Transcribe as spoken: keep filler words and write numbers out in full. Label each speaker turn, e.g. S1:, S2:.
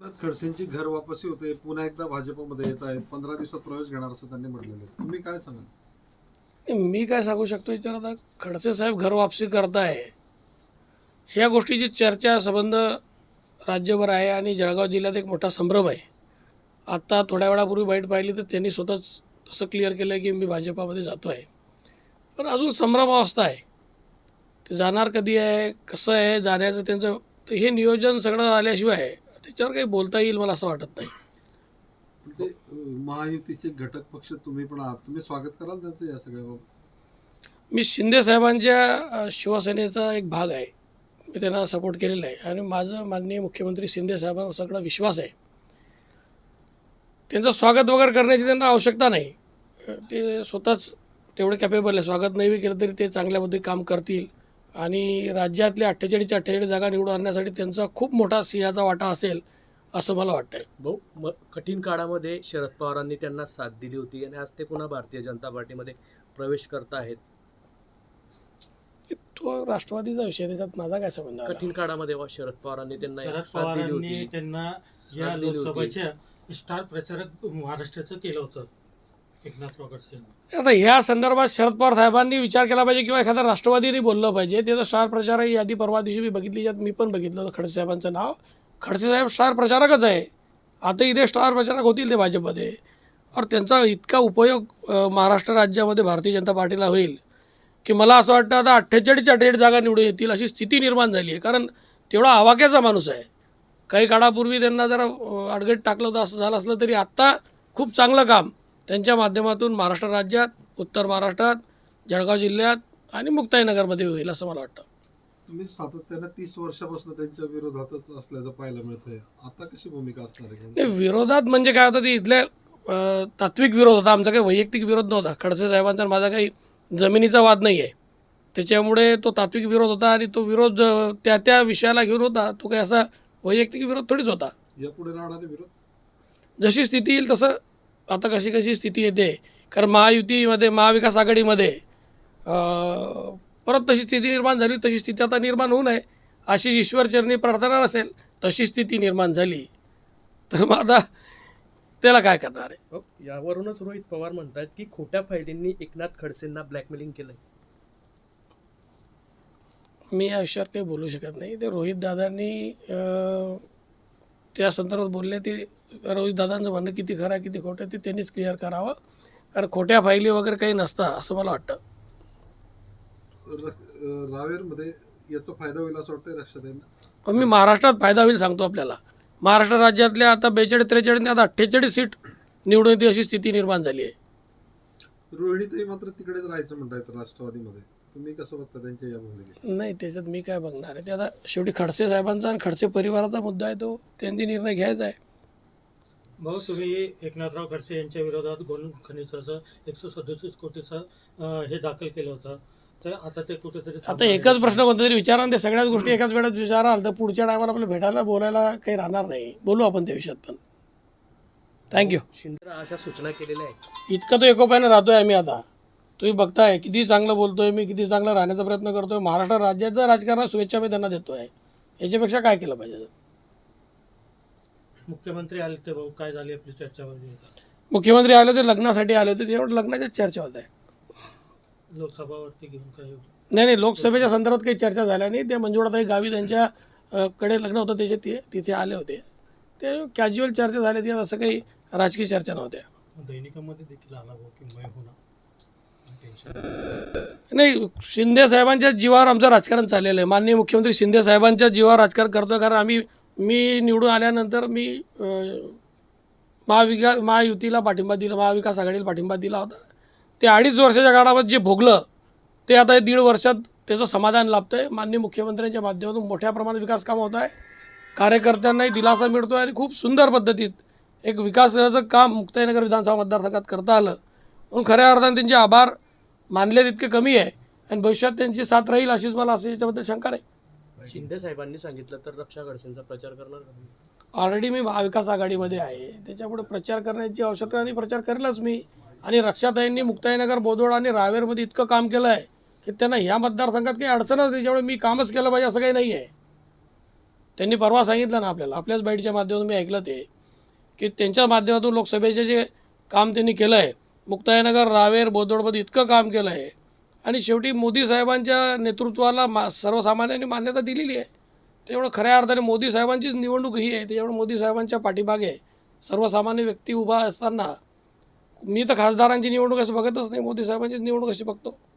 S1: खडसेंची घर वापसी होते, पुन्हा एकदा भाजपमध्ये येत आहेत, पंधरा दिवसात प्रवेश घेणार असं त्यांनी म्हटलेलं आहे. तुम्ही काय सांगाल?
S2: मी काय सांगू शकतो याच्यावर? आता खडसे साहेब घर वापसी करताय ह्या गोष्टीची चर्चा संबंध राज्यभर आहे आणि जळगाव जिल्ह्यात एक मोठा संभ्रम आहे. आत्ता थोड्या वेळापूर्वी बाईट पाहिली तर त्यांनी स्वतःच असं क्लिअर केलं की मी भाजपामध्ये जातो आहे, पण अजून संभ्रमावस्था आहे. ते जाणार कधी आहे, कसं आहे जाण्याचं त्यांचं, तर हे नियोजन सगळं आल्याशिवाय त्याच्यावर काही बोलता येईल मला असं वाटत नाही.
S1: ते महायुतीचे घटक पक्ष तुम्ही पण आहात, तुम्ही स्वागत कराल त्यांचं या सगळ्या?
S2: मी शिंदे साहेबांच्या शिवसेनेचा एक भाग आहे, मी त्यांना सपोर्ट केलेला आहे आणि माझं माननीय मुख्यमंत्री शिंदे साहेबांवर सगळा विश्वास आहे. त्यांचं स्वागत वगैरे करण्याची त्यांना आवश्यकता नाही, ते स्वतःच तेवढे कॅपेबल आहे. स्वागत नाही केलं तरी ते चांगल्या पद्धतीने काम करतील आणि राज्यातल्या अठ्ठेचाळीसच्या अठ्ठेचाळीस जागा निवडून आणण्यासाठी त्यांचा खूप मोठा सिंहाचा वाटा असेल असं मला वाटतं आहे.
S3: भाऊ, म कठीण काळामध्ये शरद पवारांनी त्यांना साथ दिली होती आणि आज ते पुन्हा भारतीय जनता पार्टीमध्ये प्रवेश करत आहेत.
S2: तो राष्ट्रवादीचा विषय, त्याच्यात माझा काय संबंध आला?
S3: कठीण काळामध्ये वा शरद पवारांनी त्यांना
S4: शरद
S3: साथ दिली
S4: पवारांनी
S3: होती,
S4: त्यांना या
S3: साथ दिली होती.
S4: लोकसभेच्या स्टार प्रचारक महाराष्ट्राचं केलं होतं एकनाथराव खडसे.
S2: आता ह्या संदर्भात शरद पवार साहेबांनी विचार केला पाहिजे किंवा एखाद्या राष्ट्रवादीने बोललं पाहिजे. त्याचं स्टार प्रचारक यादी परवा दिवशी मी बघितली, ज्यात मी पण बघितलं होतं खडसे साहेबांचं नाव. खडसे साहेब स्टार प्रचारकच आहे, आता इथे स्टार प्रचारक होतील ते भाजपमध्ये. और त्यांचा इतका उपयोग अ, महाराष्ट्र राज्यामध्ये भारतीय जनता पार्टीला होईल की मला असं वाटतं आता अठ्ठेचाळीसच्या अठ्ठेचाळीस जागा निवडून येतील अशी स्थिती निर्माण झाली आहे. कारण तेवढा आवाक्याचा माणूस आहे. काही काळापूर्वी त्यांना जरा अडगट टाकलं होतं असं झालं असलं तरी आत्ता खूप चांगलं काम त्यांच्या माध्यमातून महाराष्ट्र राज्यात, उत्तर महाराष्ट्रात, जळगाव जिल्ह्यात आणि मुक्ताईनगरमध्ये होईल असं मला वाटतं.
S1: तुम्ही सातत्यानं तीस वर्षापासून त्यांच्या विरोधातच असल्याचं पाहायला मिळतंय, आता कशी भूमिका असणार आहे?
S2: नाही, विरोधात म्हणजे काय होतं, ते इथल्या अ, तात्विक विरोध होता, आमचा काही वैयक्तिक विरोध नव्हता. खडसे साहेबांचा माझा काही जमिनीचा वाद नाही आहे, त्याच्यामुळे तो तात्विक विरोध होता आणि तो विरोध अ, त्या त्या विषयाला घेऊन होता. तो काही असा वैयक्तिक विरोध थोडीच होता.
S1: यापुढे राहणारे विरोध
S2: जशी स्थिती येईल तसं, आता कशी कशी स्थिती येते, कारण महायुतीमध्ये, महाविकास आघाडीमध्ये अ, परत तशी स्थिती निर्माण झाली, तशी स्थिती आता निर्माण होऊ नये अशी ईश्वरचरणी प्रार्थना असेल. तशी स्थिती निर्माण झाली तर मग आता त्याला काय करणार आहे?
S3: भाऊ, यावरूनच रोहित पवार म्हणतात की खोट्या फायद्यांनी एकनाथ खडसेंना ब्लॅकमेलिंग केलंय.
S2: मी या विषयावर काही बोलू शकत नाही. ते रोहित दादांनी अ, त्या संदर्भात बोलले, ते रोहित दादांचं म्हणणं किती खरं आहे किती खोटं आहे ते त्यांनीच क्लिअर करावं, कारण खोट्या फायली वगैरे काही नसतं असं मला वाटतं.
S1: र- रावेरमध्ये याचा फायदा होईल असं वाटतंय लक्षात येईल?
S2: पण मी महाराष्ट्रात फायदा होईल सांगतो आपल्याला. महाराष्ट्र राज्यातल्या आता बेचाळीस त्रेचाळीस आता अठ्ठेचाळीस सीट निवडून येते अशी स्थिती निर्माण झाली आहे.
S1: रोहिणीताई मात्र तिकडेच राहायचं म्हणतायत राष्ट्रवादीमध्ये, तुम्ही कसं बघता त्यांच्या या भूमिकेत?
S2: नाही, त्याच्यात मी काय बघणार आहे? ते आता शेवटी खडसे साहेबांचा आणि खडसे परिवाराचा मुद्दा आहे, तो त्यांनी निर्णय घ्यायचा आहे.
S4: भाऊ, तुम्ही एकनाथराव खडसे यांच्या विरोधात गोल्ड खनिजाचं एकशे सदोतीस कोटीचं अं, हे दाखल केलं होतं, तर आता ते कुठेतरी
S2: आता एकच प्रश्न कोणता तरी विचारा आणि ते सगळ्याच गोष्टी एकाच वेळात विचाराल तर पुढच्या टायमाला आपल्याला भेटायला बोलायला काही राहणार नाही. बोलू आपण त्या विषयात पण. थँक्यू.
S3: शिंदे अशा सूचना केलेल्या आहेत.
S2: इतकं तो एकोप्यानं राहतोय आम्ही. आता तुम्ही बघताय किती चांगलं बोलतोय मी, किती चांगलं राहण्याचा प्रयत्न करतोय. महाराष्ट्र राज्याचं राजकारणात शुभेच्छा मी त्यांना देतोय. याच्यापेक्षा काय केलं पाहिजे?
S4: मुख्यमंत्री आले ते भाऊ, काय झाली आपली चर्चा वगैरे?
S2: मुख्यमंत्री आले होते, लग्नासाठी आले होते, तेवढं लग्नाच्याच चर्चा होत आहे.
S4: लोकसभावरती घेऊन काय होतं?
S2: नाही नाही, लोकसभेच्या संदर्भात काही चर्चा झाल्या नाही. ते मंजुळाताई गावी त्यांच्या अ, कडे लग्न होतं त्याचे, ते तिथे आले होते. ते कॅज्युअल चर्चा झाल्या, ती असं काही राजकीय चर्चा नव्हत्या.
S4: दैनिकामध्ये देखील आला भाऊ की मय होणार टेन्शन.
S2: नाही, शिंदे साहेबांच्या जीवावर आमचं राजकारण चाललेलं आहे. माननीय मुख्यमंत्री शिंदे साहेबांच्या जीवावर राजकारण करतो आहे, कारण आम्ही मी निवडून आल्यानंतर मी अ, महाविका महायुतीला पाठिंबा दिला, महाविकास आघाडीला पाठिंबा दिला होता. ते अडीच वर्षाच्या काळामध्ये जे भोगलं ते आता दीड वर्षात त्याचं समाधान लाभतं आहे. माननीय मुख्यमंत्र्यांच्या माध्यमातून मोठ्या प्रमाणात विकास कामं होत आहे, कार्यकर्त्यांनाही दिलासा मिळतो आहे आणि खूप सुंदर पद्धतीत एक विकासाचं काम मुक्ताईनगर विधानसभा मतदारसंघात करता आलं. म्हणून खऱ्या अर्थाने त्यांचे आभार मानले तितके कमी आहे आणि भविष्यात त्यांची साथ राहील अशीच मला असं याच्याबद्दल शंका नाही.
S3: शिंदे साहेबांनी सांगितलं तर रक्षा खडसेंचा प्रचार करणार का?
S2: ऑलरेडी मी महाविकास आघाडीमध्ये आहे, त्याच्यापुढे प्रचार करण्याची आवश्यकता आणि प्रचार करेलच मी. आणि रक्षाताईंनी मुक्ताईनगर, बोदवड आणि रावेरमध्ये इतकं काम केलं आहे की त्यांना ह्या मतदारसंघात काही अडचण नाही, त्याच्यामुळे मी कामच केलं पाहिजे असं काही नाही आहे. त्यांनी परवा सांगितलं ना आपल्याला, आपल्याच बाईटच्या माध्यमातून मी ऐकलं ते, की त्यांच्या माध्यमातून लोकसभेचे जे काम त्यांनी केलं आहे, मुक्ताईनगर, रावेर, बोदवडमध्ये इतकं काम केलं आहे आणि शेवटी मोदी साहेबांच्या नेतृत्वाला मा सर्वसामान्यांनी मान्यता दिलेली आहे. तेवढं खऱ्या अर्थाने मोदी साहेबांचीच निवडणूक ही आहे, त्याच्यामुळे मोदी साहेबांच्या पाठीमागे सर्वसामान्य व्यक्ती उभा असताना मी तर खासदारांची निवडणूक असं बघतच नाही, मोदी साहेबांचीच निवडणूक अशी बघतो.